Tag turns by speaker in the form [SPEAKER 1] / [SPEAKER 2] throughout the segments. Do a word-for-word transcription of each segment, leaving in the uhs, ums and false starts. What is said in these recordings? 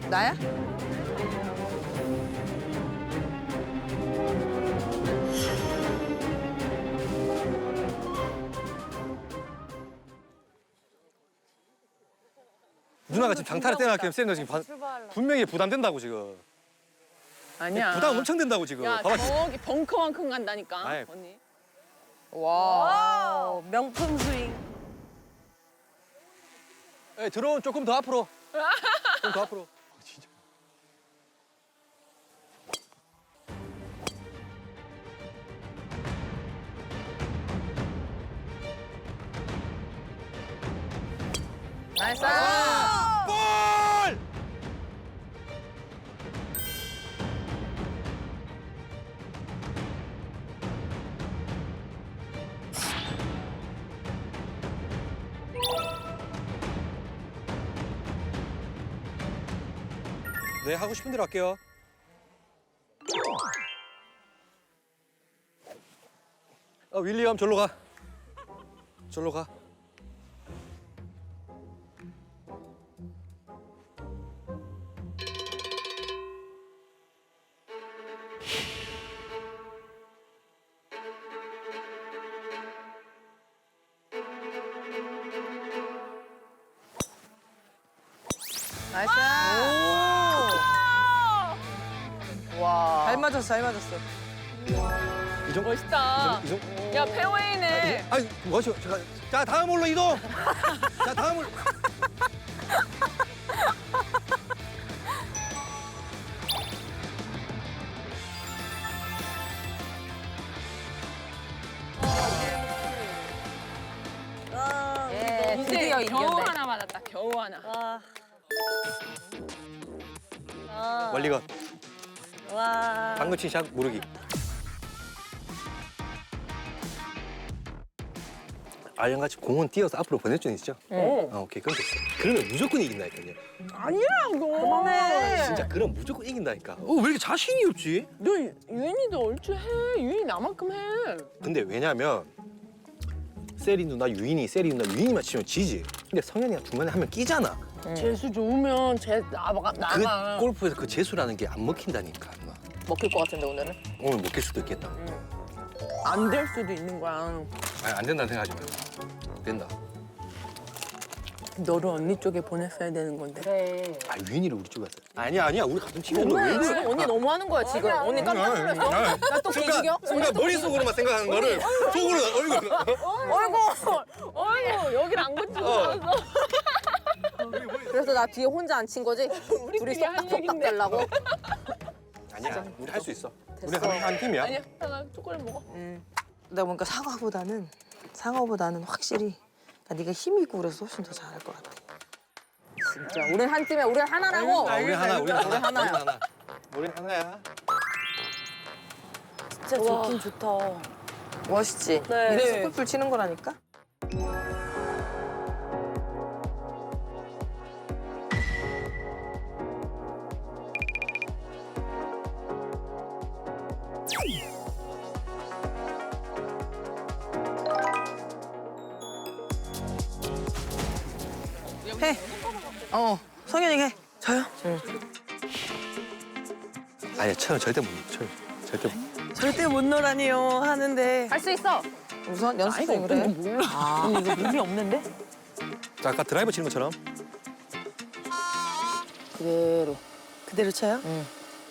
[SPEAKER 1] 나야?
[SPEAKER 2] 누나가 지금 장타를 떼어놨기 때문에 지금 바, 분명히 부담된다고 지금.
[SPEAKER 3] 아니야.
[SPEAKER 2] 부담 엄청 된다고 지금.
[SPEAKER 3] 야,
[SPEAKER 2] 봐봐.
[SPEAKER 3] 저기 벙커만큼 간다니까,
[SPEAKER 2] 아이.
[SPEAKER 3] 언니.
[SPEAKER 1] 와. 명품 스윙.
[SPEAKER 2] 예, 들어온 조금 더 앞으로. 좀 더 앞으로. 아, 진짜.
[SPEAKER 1] 나이스.
[SPEAKER 2] 볼! 네, 하고 싶은 대로 할게요. 어, 윌리엄, 절로 가. 절로 가.
[SPEAKER 1] 나이스. 와. 잘 맞았어, 잘 맞았어.
[SPEAKER 2] 이 정도?
[SPEAKER 3] 멋있다.
[SPEAKER 2] 이 정도?
[SPEAKER 3] 야, 페어웨이네.
[SPEAKER 2] 아니, 뭐죠? 잠깐. 자, 다음 홀로 이동. 자, 다음 홀.
[SPEAKER 1] 예,
[SPEAKER 3] 이제
[SPEAKER 1] 드디어
[SPEAKER 3] 겨우
[SPEAKER 1] 이겼네.
[SPEAKER 3] 하나 맞았다, 겨우 하나.
[SPEAKER 1] 와. 와.
[SPEAKER 2] 멀리건.
[SPEAKER 1] 와.
[SPEAKER 2] 방금 친 샷 모르기. 아이언같이 공은 띄어서 앞으로 보낼 줄 있죠?
[SPEAKER 3] 어.
[SPEAKER 2] 아, 오케이. 그럼 됐어. 그러면 무조건 이긴다니까요.
[SPEAKER 3] 아니라고.
[SPEAKER 1] 그만해.
[SPEAKER 2] 진짜 그럼 무조건 이긴다니까. 어, 왜 이렇게 자신이 없지?
[SPEAKER 3] 너 유인이도 얼추 해. 유인이 나만큼 해.
[SPEAKER 2] 근데 왜냐면 세리 누나, 유인이, 세리 누나, 유인이만 치면 지지. 근데 성현이가 중간에 하면 끼잖아.
[SPEAKER 3] 재수 좋으면 쟤 나가.
[SPEAKER 2] 그
[SPEAKER 3] 나가.
[SPEAKER 2] 골프에서 그 재수라는 게 안 먹힌다니까, 누나.
[SPEAKER 3] 먹힐 것 같은데, 오늘은?
[SPEAKER 2] 오늘 먹힐 수도 있겠다.
[SPEAKER 3] 안 될 수도 있는 거야.
[SPEAKER 2] 아니, 안 된다는 생각하지 말고. 된다.
[SPEAKER 3] 너를 언니 쪽에 보냈어야 되는 건데. 그래.
[SPEAKER 2] 아, 유인이를 우리 쪽에 왔어. 아니야, 아니야. 우리 같은 팀이야. 너 왜 그래?
[SPEAKER 1] 언니 너무 하는 거야, 지금. 언니 깜짝 놀랐어. 나 또 개죽여?
[SPEAKER 2] 순간 머릿속으로만 생각하는 거를 속으로, 얼굴.
[SPEAKER 1] 어이구.
[SPEAKER 3] 어이구, 여길 안 고치고 나왔어.
[SPEAKER 1] 그래서 나 뒤에 혼자 앉힌 거지? 둘이 쏙닥쏙닥 되려고?
[SPEAKER 2] 아니야, 우리 할 수 있어. 우리
[SPEAKER 1] 됐어.
[SPEAKER 2] 한, 한 팀이야.
[SPEAKER 3] 아니야, 하나 초콜릿 먹어.
[SPEAKER 4] 내가 보니까 상어보다는 상어보다는 확실히 그러니까 네가 힘이 있고 그래서 훨씬 더 잘할 것 같아.
[SPEAKER 1] 진짜. 우린 한 팀이야. 우린 하나라고.
[SPEAKER 2] 아, 우리 하나, 우리 하나.
[SPEAKER 1] 우리 하나야.
[SPEAKER 2] 우리 하나. 우리 하나야.
[SPEAKER 4] 진짜 좋긴 좋다. 멋있지?
[SPEAKER 1] 네.
[SPEAKER 4] 이래서 골프를 치는 거라니까? 해. 어, 성현이 해. 저요? 응.
[SPEAKER 2] 아니, 쳐요. 절대 못 쳐요. 절대 못.
[SPEAKER 4] 절대 못 놀아니요 하는데
[SPEAKER 1] 할 수 있어.
[SPEAKER 4] 우선 연습
[SPEAKER 3] 나이가
[SPEAKER 4] 중이래.
[SPEAKER 3] 없던 거 몰라. 아, 이거 의미 없는데?
[SPEAKER 2] 자, 아까 드라이버 치는 것처럼.
[SPEAKER 4] 그대로. 그대로 쳐요? 응.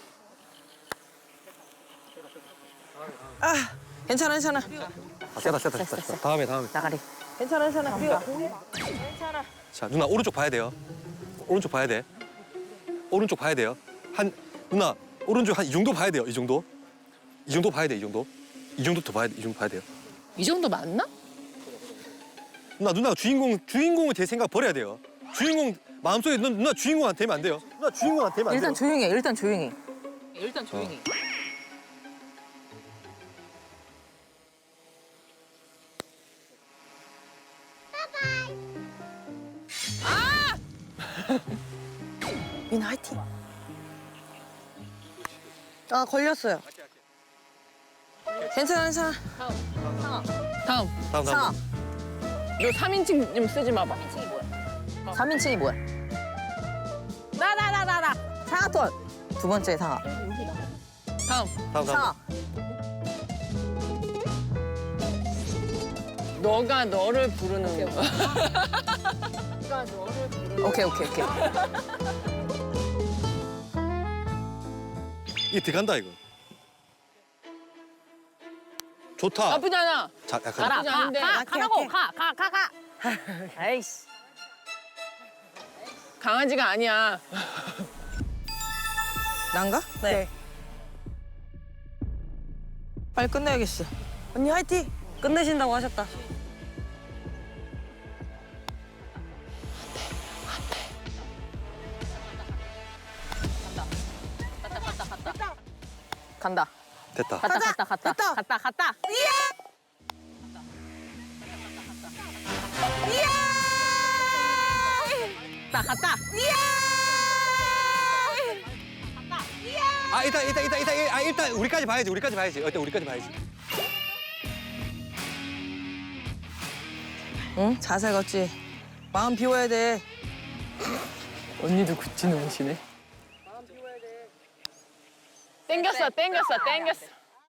[SPEAKER 4] 아, 괜찮아, 괜찮아.
[SPEAKER 2] 아, 세다, 세다, 세다. 세다. 다음에, 다음에.
[SPEAKER 1] 나가리.
[SPEAKER 4] 괜찮아, 괜찮아. 우리가
[SPEAKER 2] 자, 누나 오른쪽 봐야 돼요. 오른쪽 봐야 돼. 오른쪽 봐야 돼요. 한 누나 오른쪽 한 이 정도 봐야 돼요. 이 정도. 이 정도 봐야 돼. 이 정도. 이 정도 더 봐야 돼. 이 정도 봐야 돼요.
[SPEAKER 3] 이 정도 맞나?
[SPEAKER 2] 누나 누나가 주인공 주인공을 제 생각 버려야 돼요. 주인공 마음속에 누나, 누나 주인공 안 되면 안 돼요. 누나 주인공 안 되면 안 돼요.
[SPEAKER 1] 일단 조용히 해. 일단 조용히.
[SPEAKER 3] 일단 조용히.
[SPEAKER 4] 민 화이팅. 아, 걸렸어요. 괜찮아, 괜찮아.
[SPEAKER 3] 다음.
[SPEAKER 2] 다음
[SPEAKER 1] 상아.
[SPEAKER 2] 다음.
[SPEAKER 3] 너 삼인칭 좀 쓰지 마봐.
[SPEAKER 1] 삼인칭이 뭐야?
[SPEAKER 3] 나, 나, 나, 나, 나.
[SPEAKER 1] 상하톤.
[SPEAKER 4] 두 번째 상하.
[SPEAKER 3] 다음.
[SPEAKER 2] 다음 다음.
[SPEAKER 1] 상하.
[SPEAKER 3] 너가 너를 부르는 거.
[SPEAKER 1] 오케이 오케이 오케이.
[SPEAKER 2] 이게 들어간다 이거. 좋다.
[SPEAKER 3] 나쁘지 않아.
[SPEAKER 2] 자, 약간
[SPEAKER 3] 가라, 가, 가, 가라고, 가, 가, 가, 가.
[SPEAKER 1] 아이씨.
[SPEAKER 3] 강아지가 아니야.
[SPEAKER 4] 난가?
[SPEAKER 1] 네.
[SPEAKER 4] 빨리 끝내야겠어.
[SPEAKER 1] 언니 화이팅. 끝내신다고 하셨다. 간다.
[SPEAKER 2] 됐다.
[SPEAKER 3] 갔다, 갔다, 갔다,
[SPEAKER 1] 됐다.
[SPEAKER 3] 갔다, 갔다. 갔다, 갔다.
[SPEAKER 2] 아 일단 일단 일단 일단 아 일단 우리까지 봐야지. 우리까지 봐야지. 일단 우리까지 봐야지.
[SPEAKER 4] 응? 자세 걷지. 마음 비워야 돼.
[SPEAKER 3] 언니도 굿즈 놓으시네. 땡겼어, 땡겼어, 땡겼어.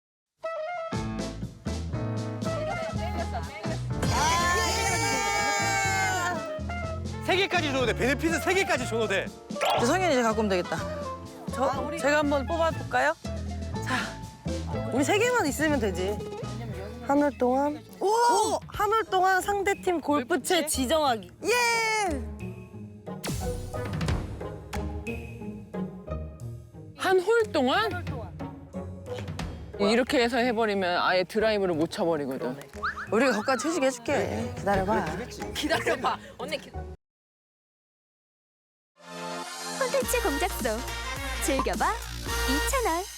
[SPEAKER 2] 세 개까지 줘도 돼. 베네핏은 세 개까지 줘도 돼.
[SPEAKER 4] 이제 성현이 이제 갖고 오면 되겠다.
[SPEAKER 1] 저 제가 한번 뽑아볼까요? 자, 우리 세 개만 있으면 되지. 한 올 동안 오! 한 올 동안 상대팀 골프채 지정하기. 예!
[SPEAKER 3] 한 홀 동안? 이렇게 해서 해버리면 아예 드라이브를 못 쳐버리거든.
[SPEAKER 4] 우리가 거기까지 퇴직해줄게. 기다려봐.
[SPEAKER 3] 기다려봐. 언니 기...
[SPEAKER 5] 콘텐츠 공작소 즐겨봐 이 채널.